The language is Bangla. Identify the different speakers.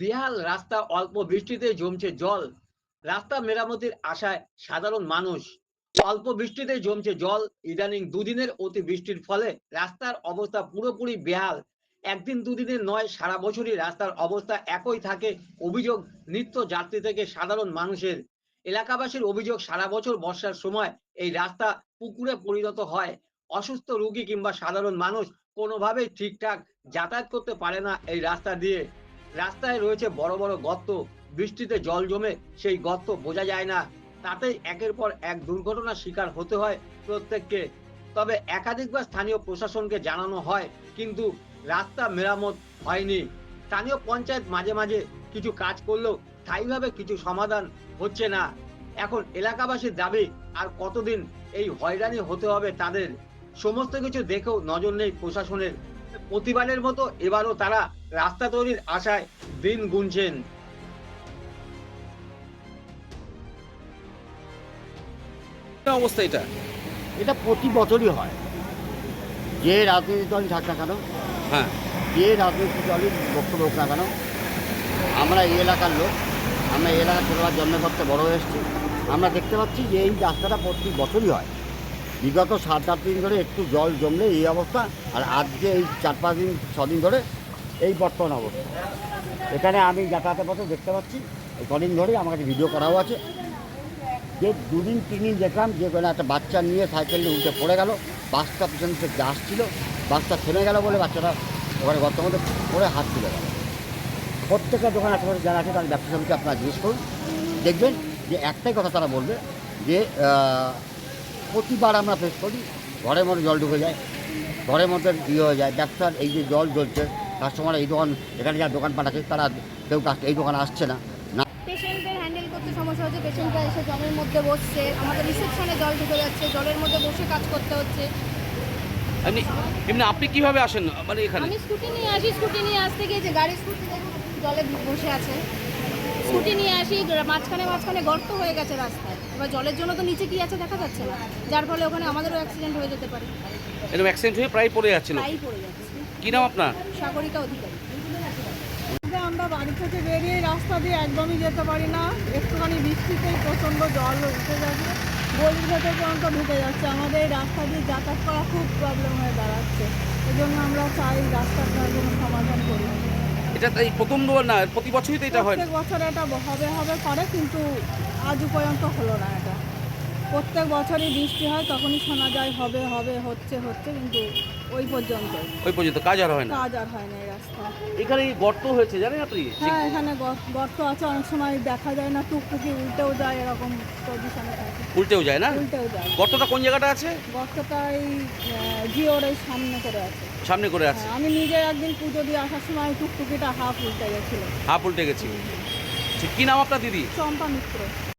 Speaker 1: বেহাল রাস্তা, অল্প বৃষ্টিতে জমছে জল। রাস্তা মেরামতির আশায় সাধারণ মানুষ। অল্প বৃষ্টিতে জমছে জল। ইদানিং দুদিনের অতি বৃষ্টির ফলে রাস্তার অবস্থা পুরোপুরি বেহাল। একদিন দুদিনের নয়, সারা বছরই রাস্তার অবস্থা একই থাকে। অভিযোগ নিত্য যাত্রী থেকে সাধারণ মানুষের। এলাকাবাসীর অভিযোগ, সারা বছর বর্ষার সময় এই রাস্তা পুকুরে পরিণত হয়। অসুস্থ রোগী কিংবা সাধারণ মানুষ কোনোভাবেই ঠিকঠাক যাতায়াত করতে পারে না এই রাস্তা দিয়ে। রাস্তায় রয়েছে বড় বড় গর্ত। বৃষ্টিতে জল জমে সেই গর্ত বোঝা যায় না। তাতেই একের পর এক দুর্ঘটনার শিকার হতে হয় প্রত্যেককে। তবে একাধিকবার স্থানীয় প্রশাসনকে জানানো হয়, কিন্তু রাস্তা মেরামত হয়নি। স্থানীয় পঞ্চায়েত মাঝে মাঝে কিছু কাজ করলেও স্থায়ীভাবে কিছু সমাধান হচ্ছে না। এখন এলাকাবাসীর দাবি, আর কতদিন এই হয়রানি হতে হবে তাদের? সমস্ত কিছু দেখেও নজর নেই প্রশাসনের। প্রতিবারের মতো এবারও তারা রাস্তা তৈরির আশায় দিন গুনছেন।
Speaker 2: কি অবস্থা এটা?
Speaker 3: এটা প্রতি বছরই হয়। যে রাজনৈতিক দলই থাক না কেন,
Speaker 2: হ্যাঁ,
Speaker 3: যে রাজনৈতিক দলই বক্তব্য হোক না কেন, আমরা এই এলাকার লোক, আমরা এই এলাকার ছোটবেলার জন্ম করতে বড় হয়ে এসেছি। আমরা দেখতে পাচ্ছি যে এই রাস্তাটা প্রতি বছরই হয়। বিগত 7-8 দিন ধরে একটু জল জমলে এই অবস্থা, আর আজকে এই 4-5 দিন 6 দিন ধরে এই বর্তমান অবস্থা। এখানে আমি যাতায়াতের পথে দেখতে পাচ্ছি, এই কদিন ধরেই আমার কাছে ভিডিও করাও আছে, যে 2-3 দিন দেখলাম যে কোনো একটা বাচ্চা নিয়ে সাইকেল নিয়ে উল্টে পড়ে গেল। বাসটা পিছন থেকে আসছিল, বাসটা থেমে গেল বলে বাচ্চাটা ওখানে গর্তের মধ্যে পড়ে হাত তুলে গেল। প্রত্যেকটা দোকান আশেপাশে যারা আছে তার ব্যবসা সমিতি আপনারা জিজ্ঞেস করুন, দেখবেন যে একটাই কথা তারা বলবে যে প্রতিবার আমরা ফেস করি, ঘরের মধ্যে জল ঢুকে যায়, ঘরের মধ্যে হয়ে যায়। ব্যবসার এই যে জল জ্বলছে, কাস্টমার এই দোকান, এখানে যারা দোকানপাট আছে তারা কেউ এই দোকানে আসছে না।
Speaker 4: পেশেন্টদের হ্যান্ডেল করতে সমস্যা হচ্ছে। পেশেন্টরা এসে জলের মধ্যে বসছে, আমাদের রিসেপশনে জল ঢুকে যাচ্ছে, জলের মধ্যে বসে কাজ করতে হচ্ছে।
Speaker 2: এমনি এমনি আপনি কিভাবে আসেন মানে এখানে?
Speaker 4: আমি স্কুটি নিয়ে আসি, স্কুটি নিয়ে আসতে গিয়ে যে গাড়ির স্কুটি জলে বসে আছে, স্কুটি নিয়ে আসি, মাঝখানে মাঝখানে গর্ত হয়ে গেছে রাস্তায়। এবার জলের জন্য তো নিচে কি আছে দেখা যাচ্ছে না, যার ফলে ওখানে আমাদেরও অ্যাক্সিডেন্ট হয়ে যেতে পারে।
Speaker 2: এরকম অ্যাক্সিডেন্ট হয়ে প্রায় পড়ে যাচ্ছিল।
Speaker 4: তাই পড়ে যাচ্ছে।
Speaker 2: কি নাম আপনার?
Speaker 4: সাগরিকা অধিকারী।
Speaker 5: আমরা বাড়ি থেকে বেরিয়ে রাস্তা দিয়ে একদমই যেতে পারি না। একটুখানি বৃষ্টিতেই প্রচণ্ড জল উঠে যাচ্ছে, গলির ভেতর পর্যন্ত ঢুকে যাচ্ছে। আমাদের এই রাস্তা দিয়ে যাতায়াত করা খুব প্রবলেম হয়ে দাঁড়াচ্ছে। এই জন্য আমরা চাই রাস্তাটার জন্য সমাধান করি।
Speaker 2: এটা এই প্রথমবার না, প্রতি বছরই তো এটা হয়।
Speaker 5: প্রত্যেক বছর এটা হবে করে, কিন্তু আজও পর্যন্ত হলো না। এটা প্রত্যেক বছরই বৃষ্টি হয়, তখনই শোনা যায় হবে হবে, হচ্ছে, কিন্তু ওই পর্যন্ত
Speaker 2: কাজ আর হয় না।
Speaker 5: কাজ আর হয় না এই রাস্তা।
Speaker 2: এখানে গর্ত হয়েছে জানেন আপনি?
Speaker 5: হ্যাঁ, এখানে গর্ত আছে, অনেক সময় দেখা যায় না, টুকটুকি উল্টেও যায়, এরকম পজিশনে থাকে।
Speaker 2: উল্টেও যায় না?
Speaker 5: উল্টেও যায়।
Speaker 2: গর্তটা কোন জায়গাটা আছে?
Speaker 5: গর্তটা এই জিওর এই সামনে করে আছে।
Speaker 2: সামনে করে আছে।
Speaker 5: হ্যাঁ, আমি নিজে একদিন পুজো দিয়ে আসার সময় টুকটুকিটা হাফ উল্টে গেছিল।
Speaker 2: হাফ উল্টে গেছি। কি নাম আপনার দিদি?
Speaker 5: চম্পা মিত্র।